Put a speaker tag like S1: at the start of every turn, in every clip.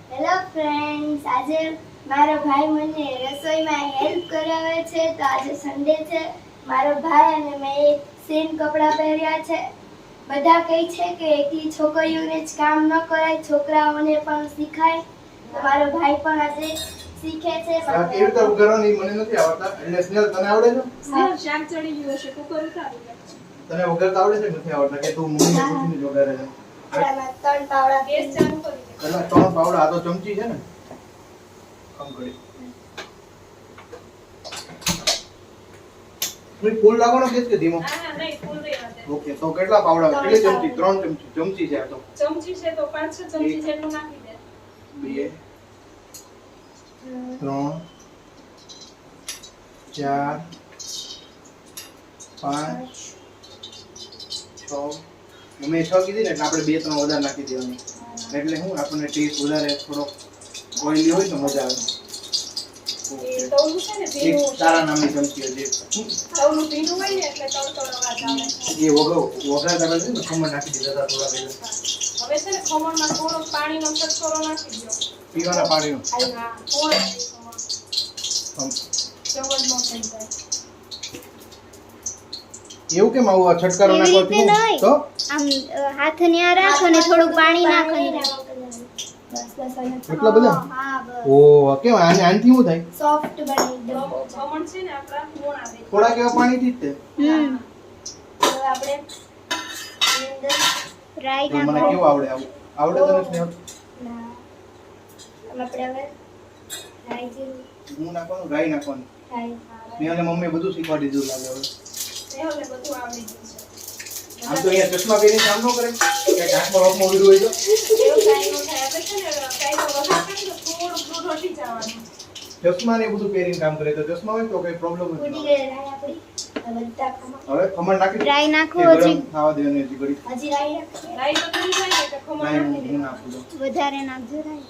S1: Hello friends, આજે મારો ભાઈ મને રસોઈમાં હેલ્પ કરાવે છે. તો આજે સન્ડે છે. મારો ભાઈ અને મેં સેમ કપડાં પહેર્યા છે. બધા કહે છે કે એકલી છોકરીઓને જ કામ ન કરાય, છોકરાઓને પણ શીખાય. તો મારો ભાઈ પણ આજે શીખે છે.
S2: કેવી રીતે ઉગાડવાની મને નથી આવડતા. એટલે સ્નેહલ તને આવડે છે?
S3: સ્નેહલ શાક ચડી ગયું હશે, કુકર ઉતારી લે.
S2: તને વઘારતા આવડે છે કે નથી આવડતા? કે તું મમ્મીને પૂછીને જ વઘારે છે?
S1: આમાં 3 પાવડા
S3: ગેસ ચાલુ કરી દે.
S2: એટલે 3 પાવડા. આ તો ચમચી છે ને? આમ કરી. કોઈ ફૂલ લાગવાનો ગેસ કે ધીમો?
S3: ના નહીં, ફૂલ રહેવા દે.
S2: ઓકે, તો કેટલા પાવડા? કેટલી ચમચી? 3 ચમચી. ચમચી છે આ તો.
S3: ચમચી છે તો 5-6 ચમચી જેટલું નાખી દે.
S2: 2 3 4 5 6 અમે 6 કીધી ને એટલે આપણે 2-3 વધારે નાખી દેવાની. એટલે હું આપણને ટેસ્ટ વધારે થોડો ઓઈલી હોય તો મજા આવે.
S3: એ તવલું છે ને
S2: એક
S3: ભીનું.
S2: તારા નામની ચમચી હજી
S3: તવલું ભીનું હોય ને એટલે તળતળ અવાજ આવે.
S2: એ વઘારતા પહેલા છે ને ખમણ નાખી દીધા હતા થોડા પહેલા.
S3: હવે છે ને ખમણમાં થોડો પાણીનો ચટકોરો નાખી દો.
S2: પીવાના પાણીનો.
S3: હા, થોડો ખમણ.
S2: આમ.
S3: ચવડ નો થઈ જાય.
S2: એવું કેમ આવું આ છટકારો
S1: એવી
S2: નાખો
S1: રીતે નહીં.
S2: તો
S1: આમ હાથ ન્યા રાખો અને થોડું પાણી નાખો.
S2: એટલા બધા?
S1: હા, બસ.
S2: ઓ કેમ આનથી શું થાય?
S1: સોફ્ટ બને એકદમ.
S3: ખમણ છે ને આપણા મોણ આવે.
S2: થોડા કેવા પાણીથી જ તે.
S1: હવે આપણે એની અંદર રાઈ
S2: તો મને
S1: નાખો.
S2: કેવું આવડે આવું? આવડે તને સ્નેહલ?
S1: ના. આપણે હવે રાઈ જીરું
S2: હું નાખવાનું રાઈ નાખવાનું.
S1: રાઈ.
S2: સ્નેહલને મમ્મીએ બધું શીખવાડી દીધું લાગે હવે.
S3: સ્નેહલને બધું આવડી ગયું છે.
S2: આમ તો અહીંયા ચશ્મા પહેરીને કામ ન કરે કે આંખમાં રોપમાં ઉડ્યું હોય તો
S3: એવું કાંઈ ન થાય. આપણે છે ને કાંઈ તો વઘાર કરીએ તો થોડું દૂધ હટી જવાનું.
S2: ચશ્મા ને એ બધું પહેરીને કામ કરે તો ચશ્મા હોય તો કઈ પ્રોબ્લેમ
S1: ઉડી
S2: નથી.
S1: ગઈ રાઈ આપણી. હવે બધા ખમણ.
S2: હવે ખમણ નાખી દે.
S1: રાઈ નાખો
S2: એ ગરમ
S1: હજી.
S2: ખાવા દેવાની હજી ઘડી.
S1: હજી રાઈ નાખીએ.
S3: રાઈ તો થઈ જાય ને એટલે ખમણ
S2: રાઈ
S3: નાખી
S2: હું
S3: દે.
S2: નાખું તો.
S1: વધારે નાખજો રાઈ.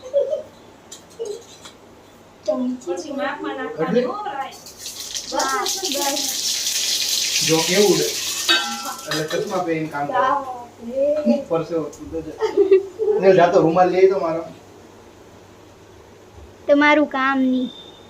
S3: પછી માપમાં નાખવાની હો રાઈ.
S1: બસ.
S2: જો કેવું ઉડે એટલે ચશ્મા પહેરીને કામ કરે. પરસેવો છૂટે છે. ને જાતો રૂમાલ લઈ તો મારો.
S1: તમારું કામ નહીં.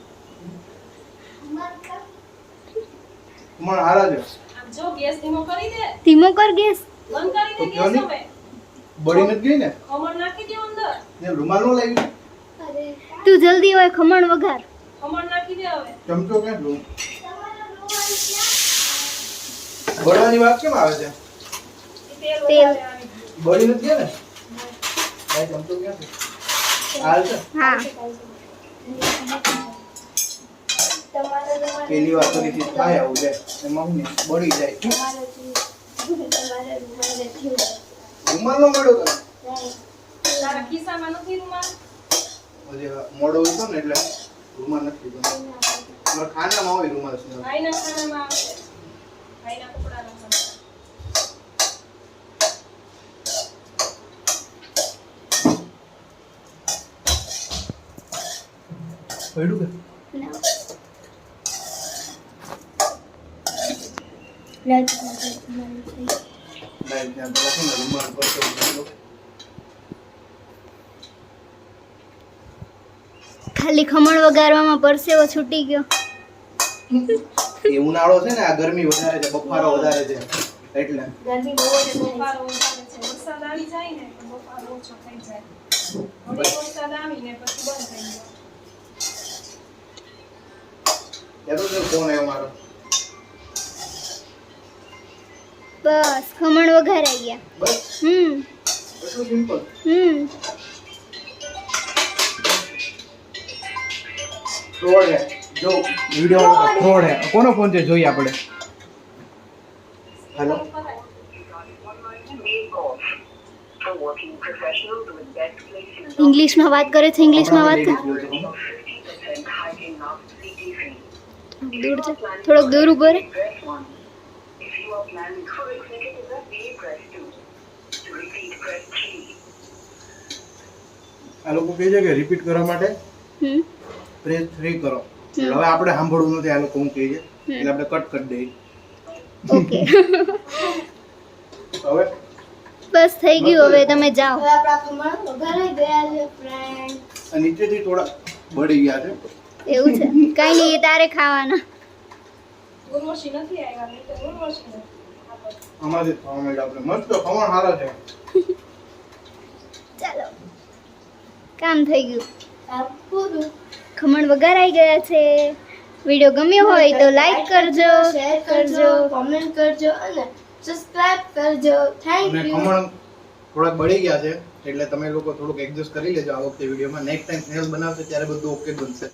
S2: ખમણ હારા છે.
S3: આમ જો ગેસ ધીમો કરી દે.
S1: ધીમો કર ગેસ.
S3: બંધ કરી દે
S2: તો કયો
S3: ગેસ
S2: નહીં?
S3: હવે.
S2: બળી નથી ગઈ ને?
S3: ખમણ નાખી દે અંદર.
S2: ને રૂમાલ નો લાવી?
S1: તું જલ્દી હોય ખમણ વઘાર.
S3: ખમણ નાખી દે હવે.
S2: ચમચો ક્યાં લઉં? બળવાની વાત કેમ આવે છે?
S3: તેલ
S1: તેલ.
S3: વધારે આવી ગયું.
S2: બળી નથી ગયા ને? ભાઈ ચમચો ક્યાં છે? હાલ છે.
S1: હા.
S2: પેલી વાર ફરીથી થાય આવું લે એમાં હું નહીં, બળી જાય. રૂમાલ નો મળ્યો તને?
S3: તારા ખિસ્સામાં નથી રૂમાલ?
S2: હજી મોડો હતો ને એટલે રૂમાલ નથી લીધો. મારા ખાનામાં હોય રૂમાલ છે.
S3: ભાઈના ખાનામાં આવશે. ભાઈના કપડાનો ખાના.
S2: પડ્યું કે? લાઈ ત્યાં તો લખો ને રૂમાલ પર તો મૂકી દો.
S1: ખાલી ખમણ વઘારવામાં પરસેવો છૂટી ગયો.
S2: એ ઉનાળો છે ને, આ ગરમી વધારે છે, બફારો વધારે છે એટલે
S1: ગરમી બહુ જ
S3: બફારો વધારે છે. વરસાદ આવી જાય ને તો બફારો ઓછો થઈ જાય. હવે વરસાદ આવીને પછી બંધ થઈ જાય.
S2: યાર તો ફોન આવ્યો મારો.
S1: બસ ખમણ વઘારાઈ ગયા.
S2: બસ એટલું સિમ્પલ. ફ્રોડ હે જો વિડિયો ફ્રોડ હે. કોનો ફોન છે જોઈએ આપણે. હેલો
S1: ઇંગ્લિશમાં વાત કરે છે. ઇંગ્લિશમાં વાત કર. દૂર જા. થોડોક દૂર ઉભો રહે.
S2: આ લોકો કહે છે કે રિપીટ કરવા માટે પ્રેસ 3 કરો. હવે આપણે સાંભળવું નથી આ લોકો હું કહે છે એટલે આપણે કટ કરી દઈએ.
S1: ઓકે.
S2: હવે
S1: બસ થઈ ગયું. હવે તમે જાઓ. હવે આપણા ખમણ વઘારાઈ ગયા છે ફ્રેન્ડ.
S2: આ નીચેથી થોડા બળી ગયા છે.
S1: એવું છે કઈ નહીં તારે ખાવાના
S3: ગુરમોશી નથી આવ્યા નહીં તો ગુરમોશી નથી.
S2: આમાંથી ખાવા માંડ્યા આપણે. મસ્ત ખમણ સારા છે.
S1: ચાલો કામ થઈ ગયું ખમણ વઘારાઈ ગયા છે. વિડિયો ગમ્યો હોય તો લાઈક કરજો, શેર કરજો, કોમેન્ટ કરજો અને સબસ્ક્રાઇબ કરજો. થેન્ક
S2: અને
S1: યુ.
S2: ખમણ થોડાક બળી ગયા છે એટલે તમે લોકો થોડુંક એડજસ્ટ કરી લેજો આ વખતે વિડીયોમાં. નેક્સ્ટ ટાઈમ સ્નેલ બનાવશે ત્યારે બધું ઓકે બનશે.